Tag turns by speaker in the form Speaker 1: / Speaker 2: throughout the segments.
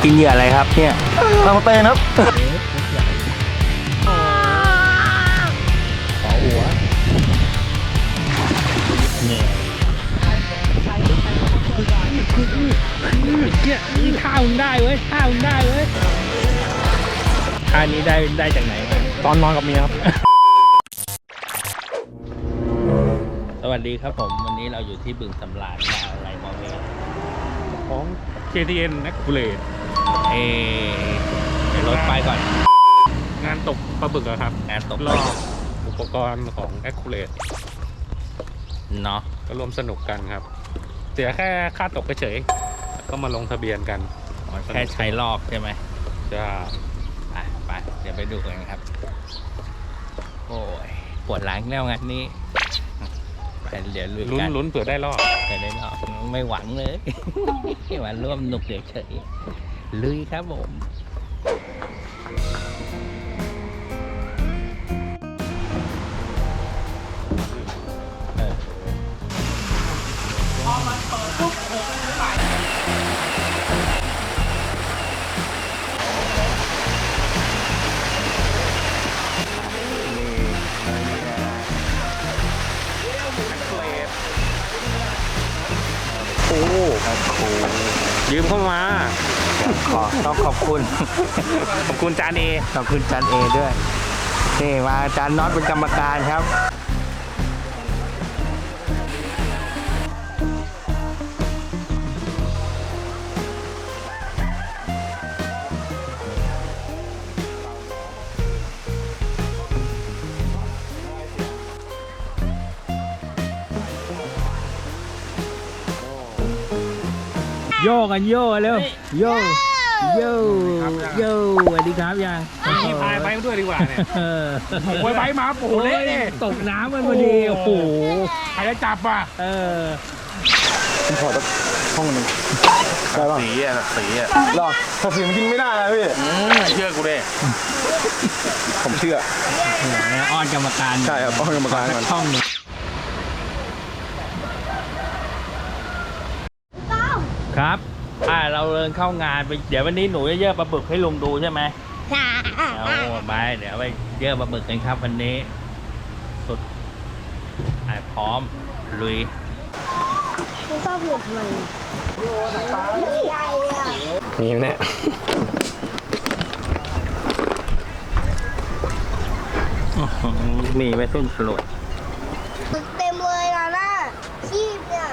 Speaker 1: กินเหยื่ออะไรครับเนี่ย
Speaker 2: ปลาสเตนครับ
Speaker 1: ขอหัวเนี่ยนี่ข้าวมึงได้เว้ยข้าวมึงได้เว้ยท่านี้ได้จากไหนมา
Speaker 2: ตอนนอนกับเมียครับ
Speaker 1: สวัสดีครับผมวันนี้เราอยู่ที่บึงสำราญมาอะไรมองเอง
Speaker 2: ของ KTN นักกุเลต
Speaker 1: เดี๋ยวรถไปก่อน
Speaker 2: งานตกปลาบึกครับ
Speaker 1: งานตก
Speaker 2: รอบอุปกรณ์ของแอคคูเลต
Speaker 1: เนาะ
Speaker 2: ก็รวมสนุกกันครับเสียแค่ค่าตกเฉยก็มาลงทะเบียนกัน
Speaker 1: แค่ใช้รอบใช่ไหม
Speaker 2: จะ
Speaker 1: ไปเดี๋ยวไปดูกันครับโอ้ยปวดหลังแล้วงานนี้ไปเดี๋ยว
Speaker 2: ลุ้นเผื่อได้รอบ
Speaker 1: ไปได้รอบไม่หวังเลยหวังร่วมหนุกเดี๋ยวเฉยลุยครับผม
Speaker 2: โอ้ยืมเข้ามา
Speaker 1: ต้องขอบคุณ
Speaker 2: จานเอ
Speaker 1: ขอบคุณจานเอด้วยนี่มาจานน็อตเป็นกรรมการครับโยกันโยเร็วโยสวัสดีครับยัง
Speaker 2: นี่พายไปด้วยดีกว่าเนี่ยโอ้ยไปมาโอ้โหเละเนี่ย
Speaker 1: ตกน้ำมันพอดีโอ้โห
Speaker 2: ใครจะจับอ่ะ
Speaker 3: ผมขอห้องนึงได้ป่ะ
Speaker 2: สี
Speaker 3: หรอถ้าสีมันกินไม่ได้นะพี่
Speaker 2: เชื่อกูดิ
Speaker 3: ผมเชื่อ
Speaker 1: อ้อนกรรมการ
Speaker 3: ใช่ครับอ้อนกรรมการก่อน
Speaker 1: ช่องนึงครับเราเดินเข้างานไปเดี๋ยววันนี้หนูจะเยอะปลาบึกให้ลุงดูใช่ไหมเอาไปเดี๋ยวไปเยอะปลาบึกกันครับวันนี้สุดพร้อมลุย
Speaker 4: ไม่ชอบหลุดมัน
Speaker 3: นี่แน่
Speaker 1: มีไว้ต้นสลด
Speaker 4: เต็มเลยนะชีพเนี่ย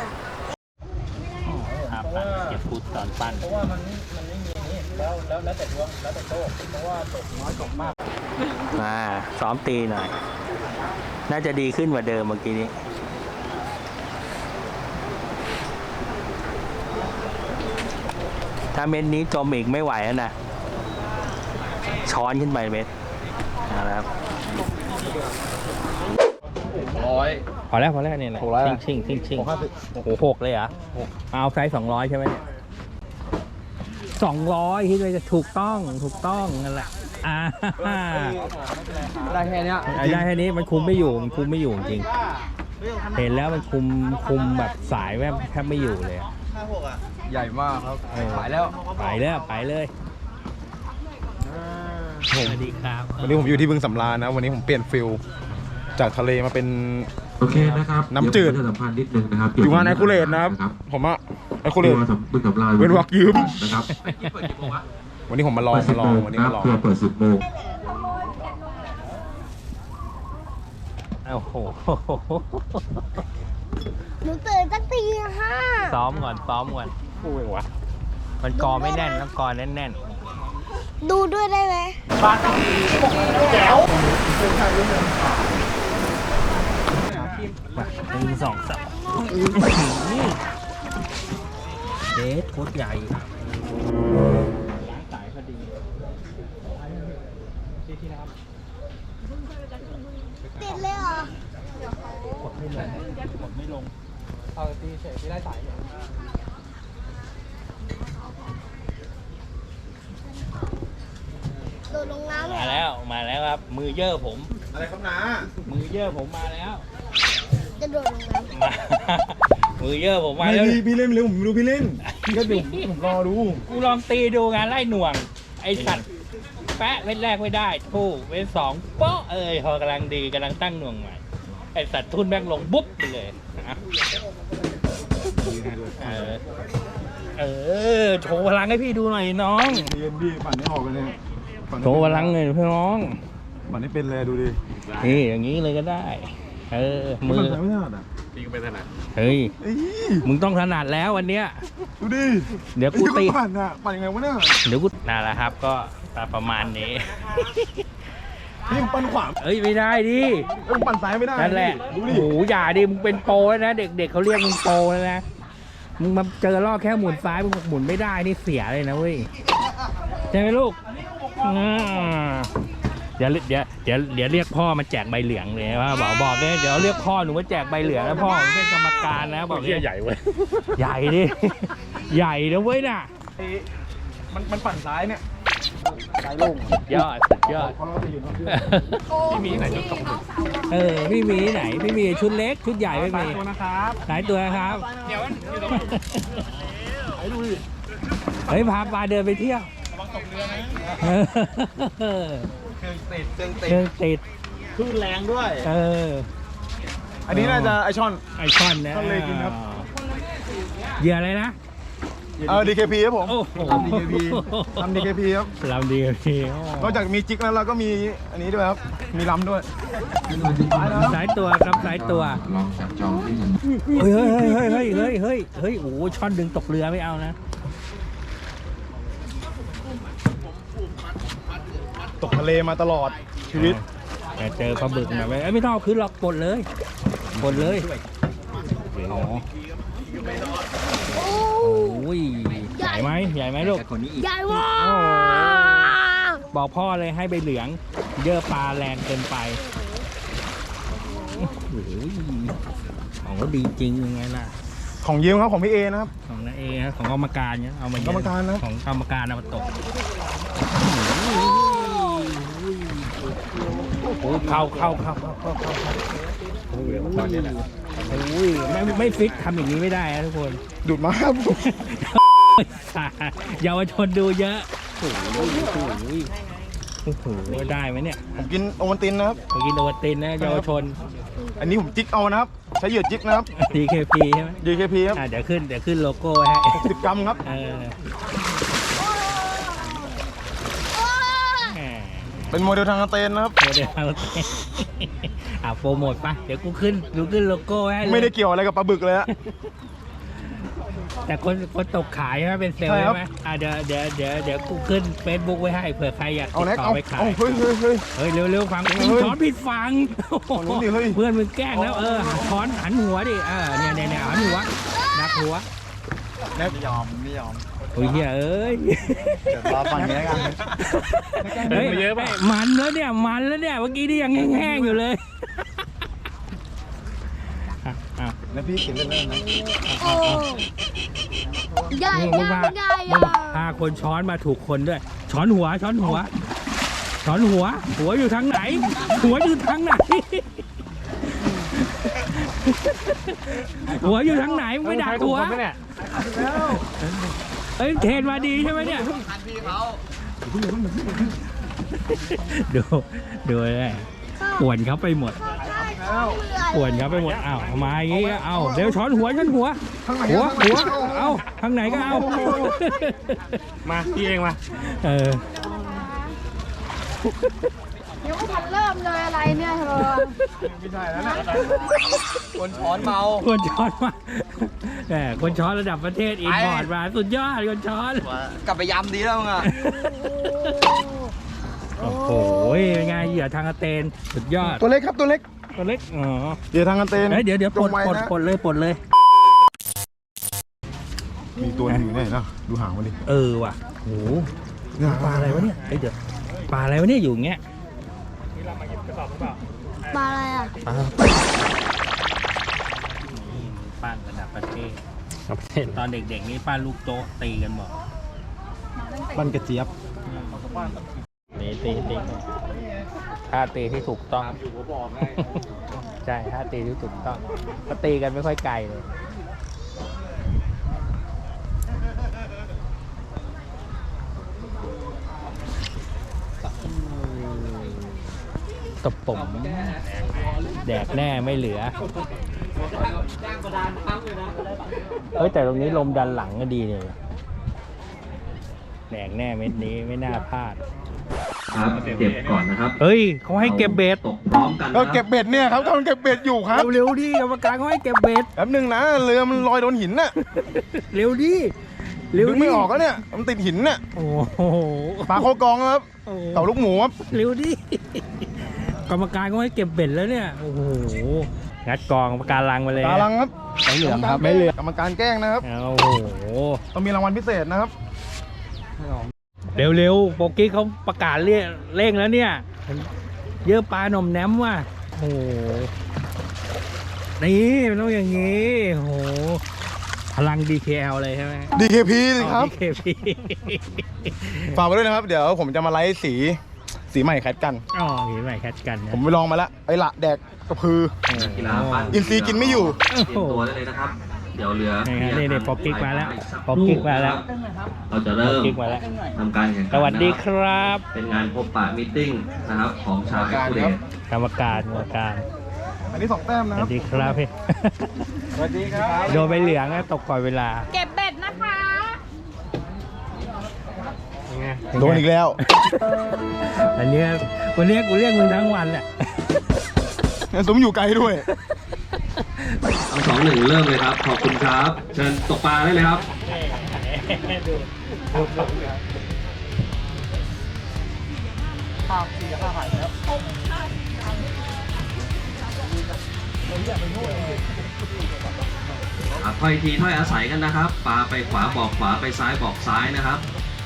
Speaker 1: เก็บพูดตอนปั้นเพราะว่ามันไม่มีนี่แล้วแต่ดวงแล้วแต่โชคเพราะว่าตกน้อยตกมากซ้อมตีหน่อยน่าจะดีขึ้นกว่าเดิมเมื่อกี้นี้ถ้าเม็ดนี้จมอีกไม่ไหวแล้วนะช้อนขึ้นไปเม็ดนะครับพอแล้วเนี่ยแหละชิงโอ้โห6เลยเหรอเอาไซส์200ใช่ไหมเนี่ย200คิดว่าจะถูกต้องนั่นแหละ
Speaker 3: ได้แค่
Speaker 1: นี้มันคุมไม่อยู่จริงเห็นแล้วมันคุมแบบสายแทบไม่อยู่เลย
Speaker 3: ใหญ่มากครับไป
Speaker 1: เลยสวัสดีครับ
Speaker 3: วันนี้ผมอยู่ที่บึงสำราญนะวันนี้ผมเปลี่ยนฟิลจากทะเลมาเป็น
Speaker 5: โอเคนะครับ
Speaker 3: น้ำจืด
Speaker 5: สัมพันธ์นิดนึงนะครับ
Speaker 3: อยู่งานแอคคูเลตนะครับผมอะแอคคูเลตเป็นวักยืม
Speaker 5: นะครับ
Speaker 3: วันนี้ผมมาลองวันนี้มาลอง
Speaker 5: เปิด10 โมง
Speaker 1: โอ้โห
Speaker 4: หนูตื่นตั้งตี 5
Speaker 1: ซ้อมก่อน
Speaker 2: พูดเองวะ
Speaker 1: มันกอไม่แน่นต้องกอแน่น
Speaker 4: ดูด้วยได้ไหม
Speaker 1: แจ๋ว1 2 3เด็ดโคตรใหญ่สายพอดี
Speaker 4: ติดเลยเหรอก
Speaker 1: ดไม่ลง
Speaker 3: เอาตีเฉยที่ได้สาย
Speaker 4: โดดลงน้ำ
Speaker 1: มาแล้วครับมือเยอะผม
Speaker 3: อะไรครับน้า
Speaker 1: มือเยอะผมมาแล้ว
Speaker 4: จะโดดลงน้ำ
Speaker 1: มือเยอะผมมา
Speaker 3: ไม่
Speaker 1: แล้ว
Speaker 3: พี่เล่นเร็วผมดูพี่เล่นพี่ก็เดี๋ยวผมรอดู
Speaker 1: กูลองตีดูงานไล่หน่วง ไอสัตว์แปะเว้นแรกไม่ได้ทู่เว้นสองโป๊ะพอกำลังดีกำลังตั้งหน่วงใหม่ไอสัตว์ทุ่นแม่งลงบุ๊บไปเลยนะโชว์พลังให้พี่ดูหน่อยน้อง
Speaker 3: เย็นพี่ปั่นไม่ออกเลยเนี่ยปั่น
Speaker 1: โชว์พลังเลยพี่น้อง
Speaker 3: ปั่นไม่เป็นเลยดูดิ
Speaker 1: นี่อย่างนี้เลยก็ได้ มือ
Speaker 3: ปั่นไม่ถนัดอ่ะ
Speaker 2: ตีก็ไม่ถนัด
Speaker 1: เฮ้ย
Speaker 3: เอ้ย
Speaker 1: มึงต้องถนัดแล้ววันเนี้ย
Speaker 3: ดูดิ
Speaker 1: เดี๋ยวกูตี
Speaker 3: ปั่นอ่ะปั่นยังไงวะเนี่ย
Speaker 1: เดี๋ยวกูนั่นแหละครับก็ประมาณนี้
Speaker 3: พี่ผมปั่นขวา
Speaker 1: เอ้ยไม่ได้ดิ
Speaker 3: ผมปั่นซ้ายไม่ได้
Speaker 1: นั่นแหละ
Speaker 3: ดู
Speaker 1: โอ้
Speaker 3: ดิ
Speaker 1: โหอย่าดิมึงเป็นโปรแล้วนะเด็กๆเขาเรียกมึงโปรแล้วนะมึงมาเจอรอบแค่หมุนซ้ายมึงหมุนไม่ได้นี่เสียเลยนะเว้ยใช่ไหมลูกเดี๋ยวเรียกพ่อมาแจกใบเหลืองเลยว่าบอกเลยเดี๋ยวเรียกพ่อหนูมาแจกใบเหลืองแล้วพ่อผมเป็นกรรมการนะบอก
Speaker 2: เหี้ยใหญ่เว้ย
Speaker 1: ใหญ่ดิ ใหญ่นะเว้ยน่ะ
Speaker 3: มันปั่นซ้ายเนี่ยซ้ายโล่ง
Speaker 1: สุดยอดสุดยอด
Speaker 3: เพราะเราจะอยู่ตรงนี้
Speaker 2: พี่มีไหนชุดตก
Speaker 1: พี่มีไหนพี่มีชุดเล็กชุดใหญ่ไม่มี
Speaker 3: ตัวนะครับ
Speaker 1: หลายตัวครับ
Speaker 2: เดี๋ยวอยู่ตรง
Speaker 3: ดูดิ
Speaker 1: เฮ้ยพาปลาเดินไปเที่ยว เครื่องติด
Speaker 3: คลื่นแรงด้วย
Speaker 1: อั
Speaker 3: อันนี้น่าจะไอช่อน
Speaker 1: ไอช่อนนะ
Speaker 3: ช่อนเลยกินครับ
Speaker 1: เหยื่ออะไรนะ
Speaker 3: DKP ครับผม
Speaker 1: โอ้โห
Speaker 3: ทำ DKP ทำ DKP ครับ
Speaker 1: ลำดีพี่
Speaker 3: นอกจากมีจิกแล้วเราก็มีอันนี้ด้วยครับ มีลำด้วย
Speaker 1: สายตัวครับสายตัว
Speaker 5: ลองจับจองที่หนึ่ง
Speaker 1: เฮ้ยโอ้โหช่อนดึงตกเรือไม่เอานะ
Speaker 3: ตกทะเลมาตลอดชีวิต
Speaker 1: แต่เจอปลาบึกนะไม่ต้องเอาขึ้นหรอกกดเลยอ๋อโอ้ยใหญ่ไหมลูก
Speaker 4: ใหญ่ว่ะ
Speaker 1: บอกพ่อเลยให้ใบเหลืองเยอะปลาแรงเกินไปโอ้โหของก็ดีจริงยังไงล่ะ
Speaker 3: ของยืมครับของพี่เอนะครับ
Speaker 1: ของนาเอนะของกรรมการเนี่ยเอามาเยอะ
Speaker 3: กรรมการนะ
Speaker 1: ของกรรมการเอามาตกโอ้ยเข้า
Speaker 2: ตอนนี้แหละ
Speaker 1: โอ้ยไม่ฟิตทำอย่างนี้ไม่ได้นะทุกคน
Speaker 3: ดูดมาครับ
Speaker 1: เยาวชนดูเยอะโอ้โหได้ไหมเนี่ย
Speaker 3: ผมกินโอวัลตินนะครับ
Speaker 1: ไปกินโอวัลตินนะเยาวชน
Speaker 3: อันนี้ผมจิกเอานะครับ ใช้เหยื่อจิกนะครับ
Speaker 1: DKP ใช่ไหม
Speaker 3: DKP ครับ
Speaker 1: เดี๋ยวขึ้นโลโก้ไว้ให้
Speaker 3: 10 กรัมครับ
Speaker 1: แหม
Speaker 3: เป็นโมเดลทางสเตนนะครับ
Speaker 1: โมเดลเราเต้นโปรโมทปะเดี๋ยวกูขึ้นโลโก้ให้เลย
Speaker 3: ไม่ได้เกี่ยวอะไรกับปลาบึกเลยฮะ
Speaker 1: แต่คนตกขายใช่ไหมเป็นเซลล์
Speaker 3: ใช่ครับ
Speaker 1: ใช่ไหมเดี๋ยวกูขึ้น Facebook ไว้ให้เผื่อใครอยาก
Speaker 3: เอา
Speaker 1: ติด
Speaker 3: แน็ก
Speaker 1: ต่อ
Speaker 3: เอา
Speaker 1: ไปขาย
Speaker 3: เอาเฮ้ย
Speaker 1: เฮ้ยเร็วฟัง
Speaker 3: เฮ้ย
Speaker 1: ช้อนผิดฟัง
Speaker 3: ฝั่งนู้นดิเฮ้ย
Speaker 1: เพื่อนมึงแกล้งแล้วช้อนหันหัวดิเนี่ยหันหัวดักหัว
Speaker 3: แน็กไม่ยอม
Speaker 1: โอ้ยเอ้ย
Speaker 3: เดี๋ยวรอฟังนี้แล้วกัน
Speaker 1: เฮ้ยมันแล้วเนี่ยเมื่อกี้นี่ยังแห้งๆอยู่เลยอ้าว
Speaker 3: แล้วพี่เขียนเล่นๆนะ
Speaker 4: โอ้ใหญ่
Speaker 1: มึง พาคนช้อนมาถูกคนด้วย ช้อนหัวอยู่ทางไหน หัวอยู่ทางไหนมึงไปดักหัวเอ้ยเทรนมาดีใช่ไหมเนี่ยดูเลยป่วนเขาไปหมดอ้าวมาอย่างงี้เอาเดี๋ยวช้อนหัวหัวเอาทางไหนก็เอา
Speaker 2: มาพี่เองมา
Speaker 4: ยังไม่ทันเริ่มเลยอะไรเนี่ยเธอ
Speaker 3: ไม่ใช่แล้วนะ
Speaker 1: คนช้อนมาคนช้อนระดับประเทศอินพอร์ตมาสุดยอดคนช้อน
Speaker 6: กลับไปยำดีแล้วมึงอ่ะ
Speaker 1: โอ้โหเป็นไงเหยื่อทางอาเตนสุดยอด
Speaker 3: ตัวเล็กครับตัวเล็ก
Speaker 1: ตัวเล็กอ๋อ
Speaker 3: เหยื่อทางกันเตน
Speaker 1: เดี๋ยวปลด
Speaker 3: จงไว้นะ
Speaker 1: เลย
Speaker 3: มีตัวหนึงอยู่เนี่ยนะดูหางมันดิ
Speaker 1: ว่ะโหปลาอะไรวะเนี่ยเดี๋ยวปลาอะไรวะเนี่ยอยู่อย่างเงี้ย
Speaker 4: ปลาอะไรอ่ะ
Speaker 1: ปั้นระดับประเทศตอนเด็กๆนี่ปั้นลูกโต๊ะตีกันหมด
Speaker 3: บันกระเจี๊ยบ
Speaker 1: ตีท่าตีที่ถูกต้องใช่ท่าตีที่ถูกต้องก็ตีกันไม่ค่อยไกลเลยตบผมแดกแน่ไม่เหลือเฮ้ยแต่ตรงนี้ลมดันหลังก็ดีเลยแดกแน่เม็ดนี้ไม่น่าพลาด
Speaker 5: ครับเก็บก่อนนะครับ
Speaker 1: เฮ้ยเขาให้เก็บเบ็ด
Speaker 5: ตกพร้อมกัน
Speaker 3: ก็
Speaker 5: นะ
Speaker 3: เก็บเบ็ดเนี่ยครับกำลังเก็บเบ็ดอยู่ครับ
Speaker 1: เร็วๆดิกรรมการเขาให้เก็บเบ็ด
Speaker 3: แป๊บนึงนะเรือมันลอยโดนหินน่ะ
Speaker 1: เร็วดิเร็ว
Speaker 3: ดึง
Speaker 1: ดิ
Speaker 3: ไม่ออกแล้วเนี่ยมันติดหินน่ะ
Speaker 1: โอ้โห
Speaker 3: ปลาโคกองครับเต่าลูกหมูครับ
Speaker 1: เร็วดิกรรมการเขาให้เก็บเบ็ดแล้วเนี่ยโอ้โหงัดกองปากการังมาเลย
Speaker 3: ตาลังครับ
Speaker 1: ไม่เหลืองครับ
Speaker 3: ไม่เหลืองกรรมการแกล้งนะครับ
Speaker 1: โอ้โห
Speaker 3: ต้องมีรางวัลพิเศษนะครับ
Speaker 1: เร็วๆโปกี้เขาประกาศเร่งแล้วเนี่ย เยอะปลาหน่อมแนมว่ะโอ้โหนี่มันต้องอย่างนี้โอ้โหพลัง DKL เลยใช่ไหม
Speaker 3: DKP สิครับ
Speaker 1: DKP
Speaker 3: ฝากไว้ด้วยนะครับ เดี๋ยวผมจะมาไลฟ์สีใหม่แคทกัน
Speaker 1: อ๋อเห็นไหมแคทกันนะ
Speaker 3: ผมไปลองมาแล้วไอ้ละแดกกระพือ
Speaker 5: กีฬาฟัน
Speaker 3: อินทรีย์กินไม่อยู่
Speaker 5: เตรียมตัวได้เลยนะครับ เดี๋ยวเรือ
Speaker 1: นี่ป๊อกกิ๊กมาแล้วป๊อกกิ๊กมาแล้ว
Speaker 5: เราจะเริ่ม
Speaker 1: กิ๊กมาแล้ว
Speaker 5: ทำการแข่งขัน
Speaker 1: สวัสดีครับ
Speaker 5: เป็นงานพบปะมีตติ้งนะครับของชาวเอ็กซ์คูเดต
Speaker 1: กรรมการ
Speaker 3: อันนี้2 แต้ม
Speaker 1: ส
Speaker 3: นะค
Speaker 1: วั
Speaker 3: รับ
Speaker 1: สดีครับพี่
Speaker 3: สวัสดีครับ
Speaker 1: โดนใบเหลืองนะตกก่อนเวลา
Speaker 4: เก็บเบ็ดนะคะ
Speaker 3: โดนอีกแล้ว
Speaker 1: อันเนี้ยวันนี้กูเรียกมึงทั้งวันแหละ
Speaker 3: สมอยู่ไกลด้วย
Speaker 5: เอา2-1 เริ่มเลยครับ ขอบคุณครับ เชิญตกปลาได้เลยครับ ถ้อยทีถ้อยอาศัยกันนะครับ ปลาไปขวาบอกขวาไปซ้ายบอกซ้ายนะครับ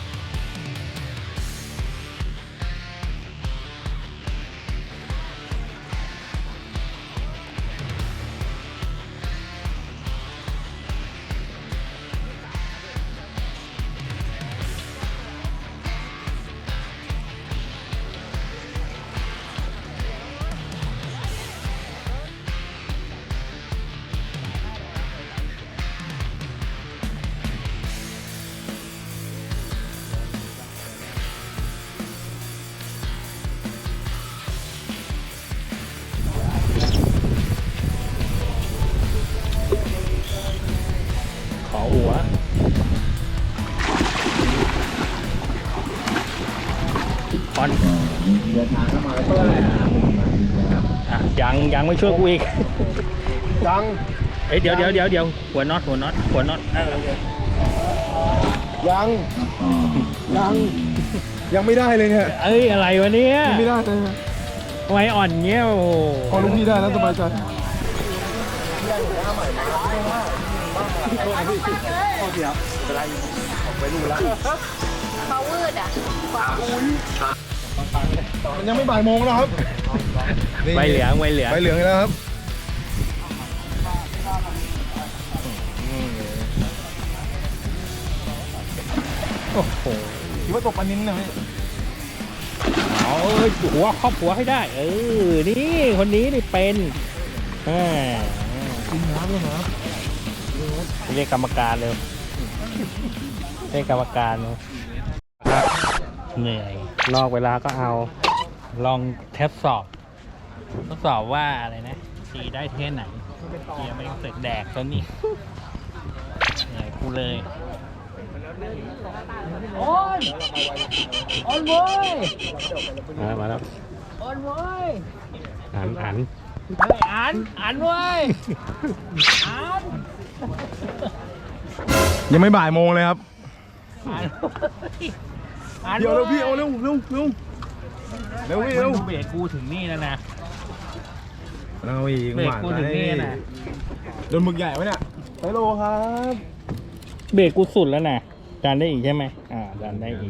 Speaker 1: ขอหัวคอนอ่ะยังไม่ช่วยกูอีก
Speaker 3: ยัง
Speaker 1: เอ้ยเดี๋ยวหัวน็อต
Speaker 3: ยังไม่ได้เลยเนี่ย
Speaker 1: เอ้ยอะไรวะเนี่ย
Speaker 3: ยังไม่ได้เลย
Speaker 1: ทำไมอ่อนเงี้ยโอ้โห
Speaker 3: พอลูกพี่ได้แล้วสบายใจ
Speaker 4: เขาวืดอ่ะ
Speaker 3: มันยังไม่บ่ายโมงแล้วครับ
Speaker 1: ใบเหลือง
Speaker 3: ใบเหลืองอีกแล้วครับ
Speaker 1: โอ้โห
Speaker 3: คิดว่าตกปลานิ้นนะพี่
Speaker 1: เอาหัวครอบหัวให้ได้ นี่คนนี้นี่เป็น
Speaker 3: กินน้ำเลยครับ
Speaker 1: เรียกกรรมการเร็วเรียกกรรมการเร็วครับเหนื่อย
Speaker 2: นอกเวลาก็เอา
Speaker 1: ลองทดสอบว่าอะไรนะตีได้แค่ไหนเกียร์ไม่เสร็จแดกตัวนี้เหนื่อยกูเลยโอ้ยโอ้ยเว้ย
Speaker 2: มาแล้ว
Speaker 1: โอ้ยเว้ย
Speaker 2: อ่าน
Speaker 1: เฮ้ยอ่านเว้ยอ่าน
Speaker 3: ยังไม่บ่ายโมงเลยครับ
Speaker 1: อ่าน
Speaker 3: เดี๋ยวเร็วพี่เอาเร็วพี่เร็ว
Speaker 1: เบรกกูถึงนี่แล้วนะ
Speaker 3: เราอีก
Speaker 1: เบรกกูถึงนี่นะ
Speaker 3: โดนหมึกใหญ่ไหมเนี่ยไปโลครับ
Speaker 1: เบรกกูสุดแล้วนะดันได้อีกใช่ไหมดันได้อีก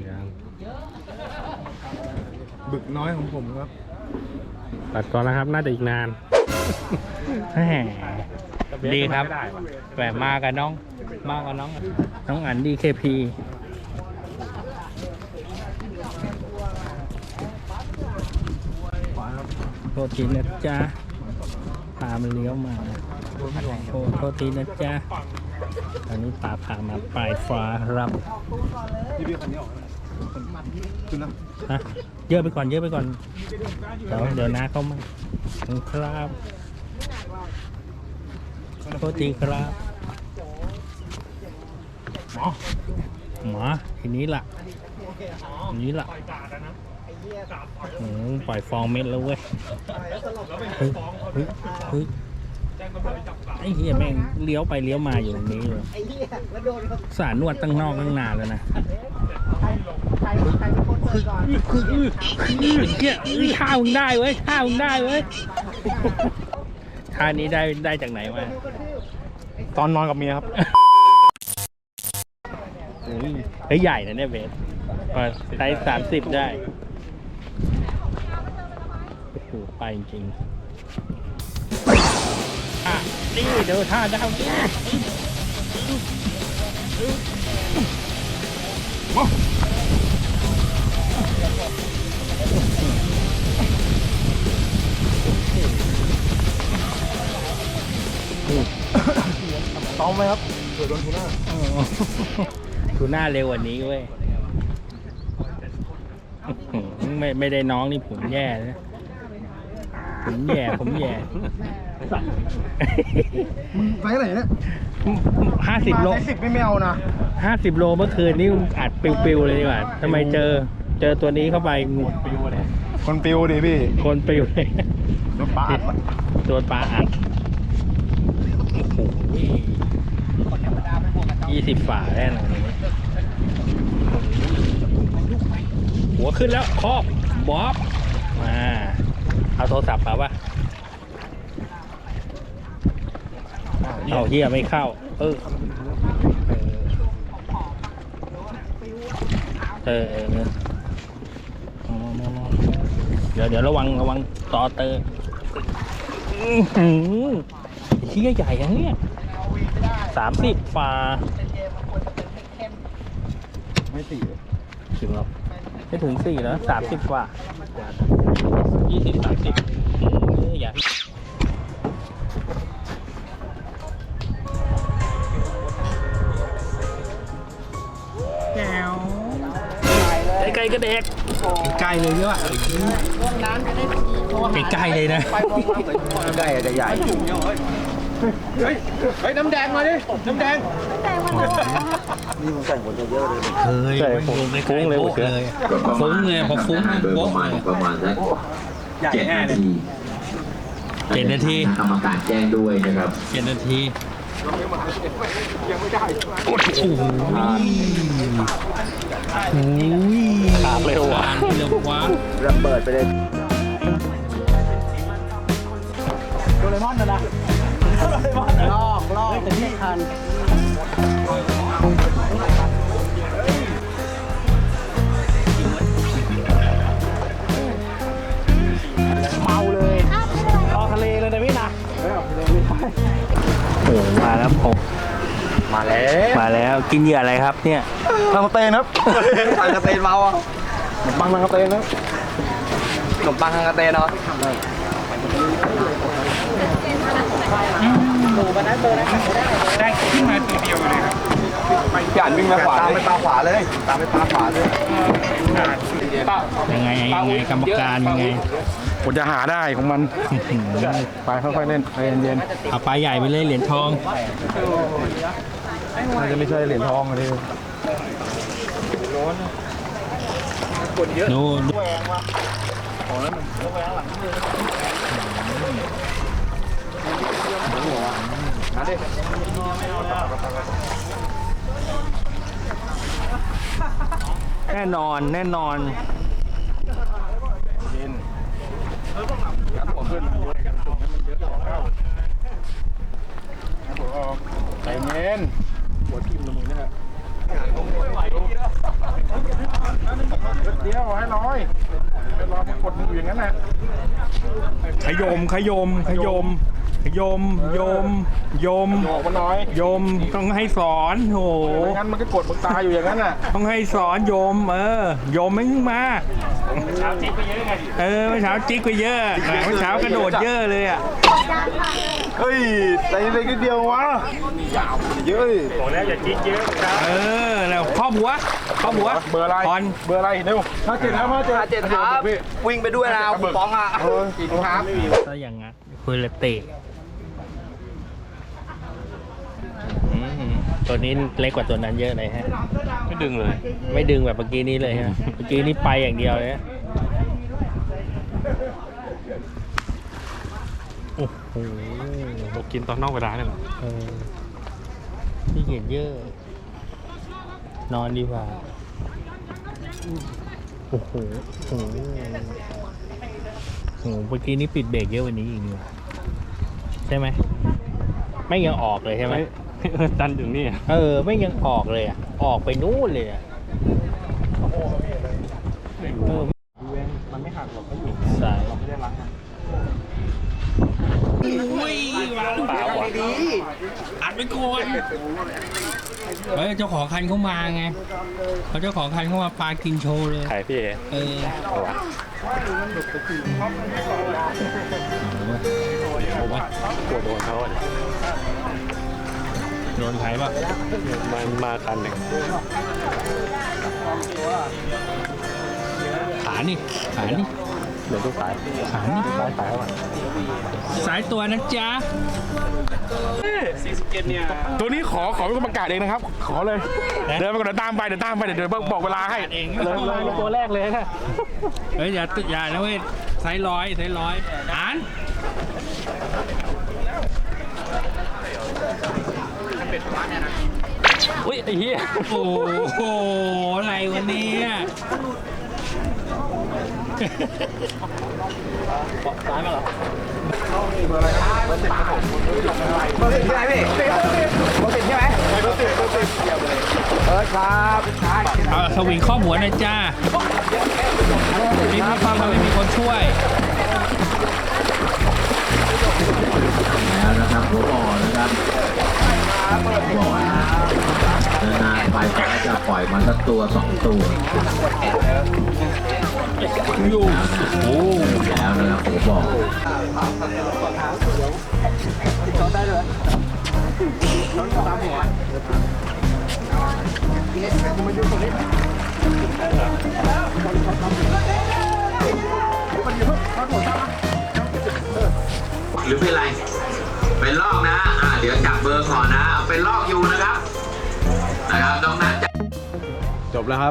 Speaker 3: บึกน้อยของผมครับ
Speaker 2: ตัดก่อนนะครับ น่าจะอีกนาน
Speaker 1: แหมดีครับแหมมากับน้องอัน DKP โทษทีนะจ๊ะพามันเลี้ยวมาโทษทีนะจ๊ะอันนี้ปลาพามาปลายฟ้าครับ
Speaker 3: พี่คันนี้ออกขึ้นนะ
Speaker 1: ฮะเยอะไปก่อนเดี๋ยวนะเข้ามาครับโทษทีครับหมอทีนี้ล่ะปล่อยฟองเม็ดแล้วเว้ยเฮ้ยไอ้เหี้ยแม่งเลี้ยวไปเลี้ยวมาอยู่ตรงนี้เลยสารนวดตั้งนอกตั้งนานแล้วนะท่ามึงได้เว้ยท่านี้ได้จากไหนมา
Speaker 3: ตอนนอนกับเมียครับ
Speaker 1: เฮ้ยใหญ่นะเนี่ยเบสไซส์30ได้โอ้โหไปจริงๆนี่เดี๋ยวท่าดาวนี่
Speaker 3: ต้องไหมครับเผื่อโดนทูน่า
Speaker 1: ทูน่าเร็วกว่านี้เว้ยไม่ได้น้องนี่ผมแย่นะผมแย่
Speaker 3: มึงไซส์ไหนเนี่ย
Speaker 1: 50 โล
Speaker 3: 10ไม่เอานะ
Speaker 1: 50 โลเมื่อคืนนี่อัดปิวๆเลยดีกว่าทำไมเจอตัวนี้เข้าไปงูปิวเลย
Speaker 3: คนปิวดิพี่
Speaker 1: คนปิวเลย
Speaker 3: โดนปลาอัด
Speaker 1: โดนปลาอัดโอ้โห20 ฝ่าแน่นอนหัวขึ้นแล้วครอบบ๊อบมาเอาโทรศัพท์มาป่ะเอาเฮียไม่เข้าเดี๋ยวระวังต่อเตอเฮียใหญ่อย่างเนี้ย30 ฝ่า
Speaker 3: ไม่ตี
Speaker 1: ถึงหรอไม่ถึง4แล้ว30 ฝ่า20-30อย่าไกลก็เด็กใกล้เลยด้วยใกล้เลยนะใกล้จะใหญ่
Speaker 3: เฮ้ยน้ำแดงมาดิน้ำแดง
Speaker 1: เคยฟุ้งเลยฟุ้งเลยพอฟุ้ง
Speaker 5: โดยประมาณสัก7 นาที กรรมการแจ้งด้วยนะครับ
Speaker 1: 7 นาทีโอ้โหขาดเร็วว่ะระเบิดไปเลย
Speaker 3: โดเรมอนนะลอกแต่ที่ทันเมาเลยรอทะเลเลยนะพี่นะ
Speaker 1: โอ้มาแล้วผมมาแล้วกินเหยื่ออะไรครับเนี่ย
Speaker 3: ทางกระเตนครับทางกระเตนเมาอ่ะขนมปังทางกระเตนนะขนมปังทางกระเตนเนาะ
Speaker 2: ได้ขึ้นมาตัวเดียวเลยครับ
Speaker 3: หยาดวิ่งมาขวาตามไปปลาขวาเลย
Speaker 1: ยังไงกรรมการยังไง
Speaker 3: ผมจะหาได้ของมันไปค่อยๆเล่นใจเย็น
Speaker 1: เอาปลาใหญ่ไปเลยเหรียญทอง
Speaker 3: ๆน่าจะไม่ใช่เหรียญทองเลย
Speaker 1: ดูแน่นอน
Speaker 3: ใจเย็นหัวทิ่มละมึงเนี่ยเดี๋ยวให้ร้อยรอมากดมืออย่างนั้นแหละขยม
Speaker 1: โยม
Speaker 3: ออกมาหน่อย
Speaker 1: โยมต้องให้สอนโห
Speaker 3: ไม่งั้นมันก็กดมึงตายอยู่อย่างนั้นน่ะ
Speaker 1: ต้องให้สอนโยมโยมไม่มาเช้าจิกไปเยอะไงเมื่อเช้าจิกไปเยอะเมื่อเช้ากระโดดเยอะเลยอ่ะ
Speaker 3: เฮ้ยใจเล็กนิดเดียววะเยอะดิ
Speaker 1: แล้วครอบหัว
Speaker 3: เบอร์อะไร
Speaker 1: พร
Speaker 3: เบอร์อะไรเร็ว57ครับวิ่งไปด้วยนะคุณป้องอ่ะอีกครับ
Speaker 1: ถ้าอย่างงั้นคุยละเตะตัวนี้เล็กกว่าตัวนั้นเยอะเลยฮะ
Speaker 2: ไม่ดึงเลย
Speaker 1: ไม่ดึงแบบเมื่อกี้นี้เลยฮะ เมื่อกี้นี้ไปอย่างเดียวเลยฮะโอ้โห
Speaker 2: เรากินตอนนอกเวลาเนี่ยเหรอ
Speaker 1: ที่เกียจเยอะ นอนดีกว่า โอ้โหโอ้โหเมื่อกี้นี้ปิดเบรกเยอะกวันนี้อีกนี่หว่าใช่ไหม ไม่ยังออกเลยใช่ไหม
Speaker 2: ดันอยู่นี่
Speaker 1: ไม่ยังออกเลยอ่ะ ออกไปนู่นเลยอ่ะมันไม่หักหรอกก็อยู่สายไม่ได้ล้างอุ้ยวางเปล่าวะอัดไปก่อนเฮ้ยเจ้าของคันเขามาไงเขาเจ้าของคันเขามาปากินโชว์เลย
Speaker 2: ขายพี่เอ
Speaker 1: เอาวะเอาวะ
Speaker 2: ปวดโดนเขาอ่ะ
Speaker 1: โดนใครป่ะ
Speaker 2: มันมาคันหนึ่ง
Speaker 1: ขานี่
Speaker 2: เดี๋ยวต้องสาย
Speaker 1: ขานี่
Speaker 2: สายแล้วอ่ะ
Speaker 1: สายตัวนะจ๊ะ
Speaker 3: ตัวนี้ขอเป็นคนประกาศเองนะครับ ขอเลย เดินไปก่อนเดี๋ยวตามไปเดี๋ยวบอกเวลาให้
Speaker 1: เอง
Speaker 2: เลยตัวแรกเลยค่ะ
Speaker 1: เฮ้ยอย่านะเว้ยไซส์ร้อยอ่าน
Speaker 2: อุ้ยไอ้เหี้ย
Speaker 1: โอ้โหอะไรวันนี้ซ้ายมาเหรอ
Speaker 3: เบอร์10ใช่ไหมพี่เบอร์10ใช่ไหมเบอร์10ครับ
Speaker 1: เอาสวิงข้อหัวหน่อยจ้ามีความไม่มีคนช่วย
Speaker 5: แล้วนะครับหัวบ่อนะครับบ่อนะนานๆไปก็จะปล่อยมันสักตัวสองตัว
Speaker 1: อยู่โอ้
Speaker 5: แล้วนะครับหัวบ่อ หรือเป็นไร เป็นลอกนะ เดี๋ยวจับเบอร์ก่อนนะ เป็นลอกอยู่นะครับน้องนัท
Speaker 3: จบแล้วครับ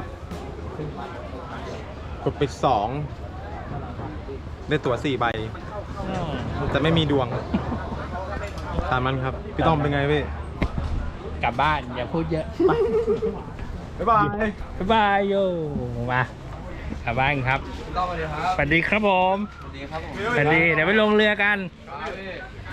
Speaker 3: กดไป2ได้ตั๋ว4 ใบ แต่ไม่มีดวงตามมันครับ พี่ต้อมเป็นไงพี่
Speaker 1: กลับบ้านอย่าพูดเยอะ
Speaker 3: บ๊ายบาย
Speaker 1: บ๊ายบายโยมากลับบ้านครับ
Speaker 3: ต้อมสวัสดีครับ
Speaker 1: สวัสดีครับผม
Speaker 3: สวัสดีครับผม
Speaker 1: สวัสดีเดี๋ยวไปลงเรือกัน
Speaker 3: ครับพี่